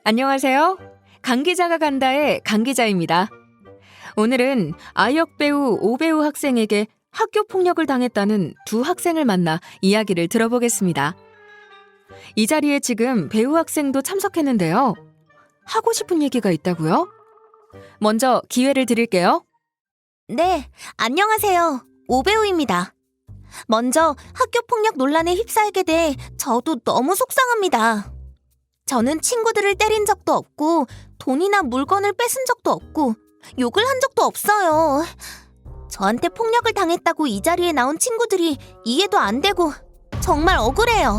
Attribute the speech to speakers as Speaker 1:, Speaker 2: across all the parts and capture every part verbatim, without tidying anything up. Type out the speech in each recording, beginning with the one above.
Speaker 1: 안녕하세요. 강기자가 간다의 강기자입니다. 오늘은 아역 배우 오배우 학생에게 학교 폭력을 당했다는 두 학생을 만나 이야기를 들어보겠습니다. 이 자리에 지금 배우 학생도 참석했는데요. 하고 싶은 얘기가 있다고요? 먼저 기회를 드릴게요.
Speaker 2: 네, 안녕하세요. 오배우입니다. 먼저 학교폭력 논란에 휩싸이게 돼 저도 너무 속상합니다. 저는 친구들을 때린 적도 없고 돈이나 물건을 뺏은 적도 없고 욕을 한 적도 없어요. 저한테 폭력을 당했다고 이 자리에 나온 친구들이 이해도 안 되고 정말 억울해요.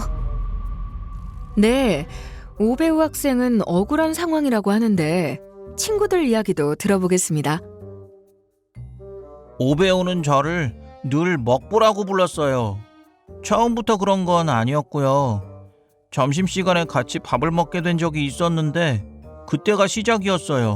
Speaker 1: 네, 오배우 학생은 억울한 상황이라고 하는데 친구들 이야기도 들어보겠습니다.
Speaker 3: 오배우는 저를 늘 먹보라고 불렀어요. 처음부터 그런 건 아니었고요. 점심시간에 같이 밥을 먹게 된 적이 있었는데 그때가 시작이었어요.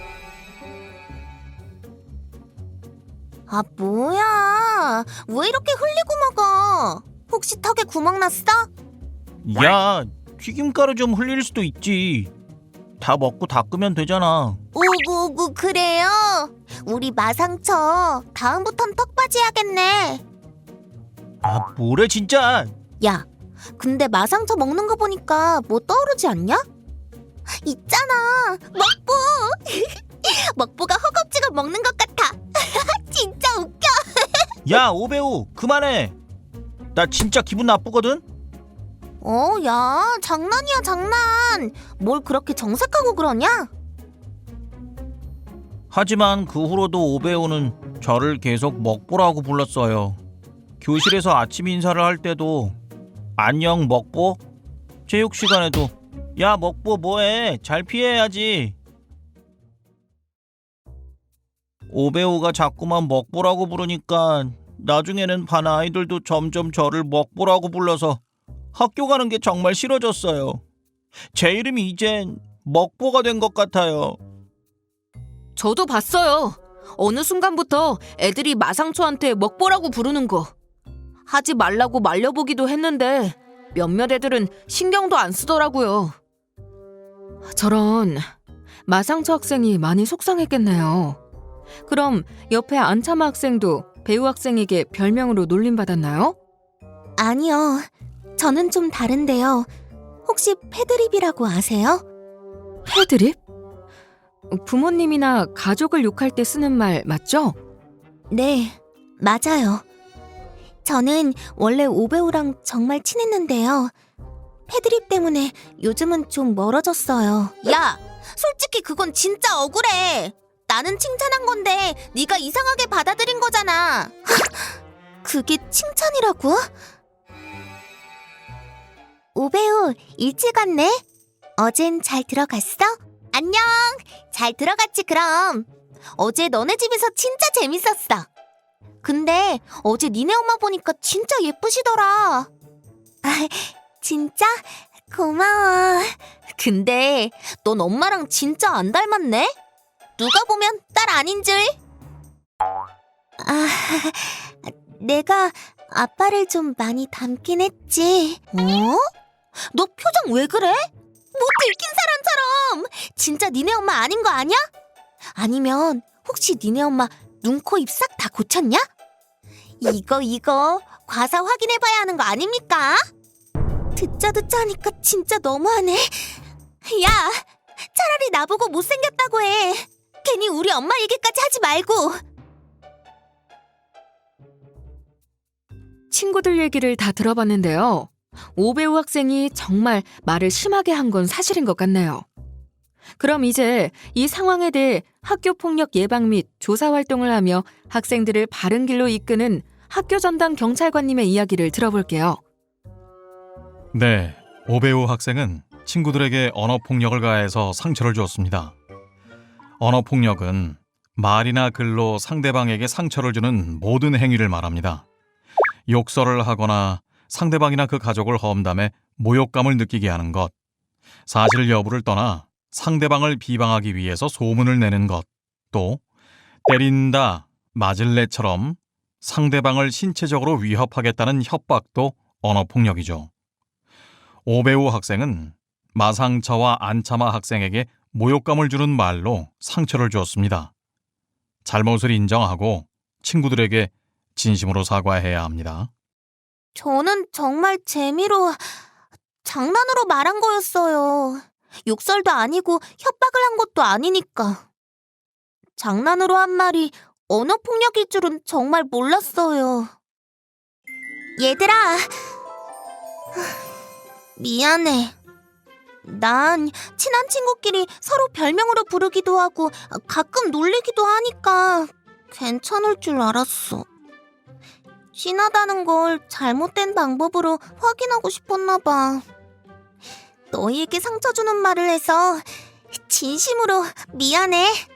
Speaker 2: 아, 뭐야. 왜 이렇게 흘리고 먹어? 혹시 턱에 구멍 났어?
Speaker 3: 야, 튀김가루 좀 흘릴 수도 있지. 다 먹고 닦으면 되잖아.
Speaker 2: 오구오구 그래요? 우리 마상처 다음부턴 턱받이 해야겠네.
Speaker 3: 아, 뭐래 진짜.
Speaker 2: 야, 근데 마상처 먹는 거 보니까 뭐 떠오르지 않냐? 있잖아, 먹보. 먹보가 허겁지겁 먹는 것 같아. 진짜 웃겨.
Speaker 3: 야, 오배우 그만해. 나 진짜 기분 나쁘거든.
Speaker 2: 어, 야, 장난이야 장난. 뭘 그렇게 정색하고 그러냐?
Speaker 3: 하지만 그 후로도 오배우는 저를 계속 먹보라고 불렀어요. 교실에서 아침 인사를 할 때도 안녕 먹보? 체육 시간에도 야 먹보 뭐해? 잘 피해야지. 오배우가 자꾸만 먹보라고 부르니까 나중에는 반 아이들도 점점 저를 먹보라고 불러서 학교 가는 게 정말 싫어졌어요. 제 이름이 이젠 먹보가 된 것 같아요.
Speaker 1: 저도 봤어요. 어느 순간부터 애들이 마상초한테 먹보라고 부르는 거. 하지 말라고 말려보기도 했는데 몇몇 애들은 신경도 안 쓰더라고요. 저런, 마상초 학생이 많이 속상했겠네요. 그럼 옆에 안참아 학생도 배우 학생에게 별명으로 놀림받았나요?
Speaker 2: 아니요, 저는 좀 다른데요. 혹시 패드립이라고 아세요?
Speaker 1: 패드립? 부모님이나 가족을 욕할 때 쓰는 말 맞죠?
Speaker 2: 네, 맞아요. 저는 원래 오배우랑 정말 친했는데요. 패드립 때문에 요즘은 좀 멀어졌어요. 야, 솔직히 그건 진짜 억울해. 나는 칭찬한 건데 네가 이상하게 받아들인 거잖아. 그게 칭찬이라고? 오배우 일찍 왔네? 어젠 잘 들어갔어? 안녕, 잘 들어갔지 그럼. 어제 너네 집에서 진짜 재밌었어. 근데 어제 니네 엄마 보니까 진짜 예쁘시더라. 아, 진짜? 고마워. 근데 넌 엄마랑 진짜 안 닮았네? 누가 보면 딸 아닌 줄. 아, 내가 아빠를 좀 많이 닮긴 했지. 어? 너 표정 왜 그래? 뭐 들킨 사람처럼. 진짜 니네 엄마 아닌 거 아니야? 아니면 혹시 니네 엄마 눈, 코, 입 싹 다 고쳤냐? 이거 이거 과사 확인해봐야 하는 거 아닙니까? 듣자 듣자 하니까 진짜 너무하네. 야, 차라리 나보고 못생겼다고 해. 괜히 우리 엄마 얘기까지 하지 말고.
Speaker 1: 친구들 얘기를 다 들어봤는데요. 오배우 학생이 정말 말을 심하게 한 건 사실인 것 같네요. 그럼 이제 이 상황에 대해 학교폭력 예방 및 조사 활동을 하며 학생들을 바른 길로 이끄는 학교 전담 경찰관님의 이야기를 들어볼게요.
Speaker 4: 네, 오배우 학생은 친구들에게 언어폭력을 가해서 상처를 주었습니다. 언어폭력은 말이나 글로 상대방에게 상처를 주는 모든 행위를 말합니다. 욕설을 하거나 상대방이나 그 가족을 험담해 모욕감을 느끼게 하는 것, 사실 여부를 떠나 상대방을 비방하기 위해서 소문을 내는 것, 또 때린다, 맞을래처럼 상대방을 신체적으로 위협하겠다는 협박도 언어폭력이죠. 오배우 학생은 마상처와 안차마 학생에게 모욕감을 주는 말로 상처를 주었습니다. 잘못을 인정하고 친구들에게 진심으로 사과해야 합니다.
Speaker 2: 저는 정말 재미로, 장난으로 말한 거였어요. 욕설도 아니고 협박을 한 것도 아니니까. 장난으로 한 말이 언어폭력일 줄은 정말 몰랐어요. 얘들아, 미안해. 난 친한 친구끼리 서로 별명으로 부르기도 하고 가끔 놀리기도 하니까 괜찮을 줄 알았어. 친하다는 걸 잘못된 방법으로 확인하고 싶었나 봐. 너희에게 상처 주는 말을 해서 진심으로 미안해.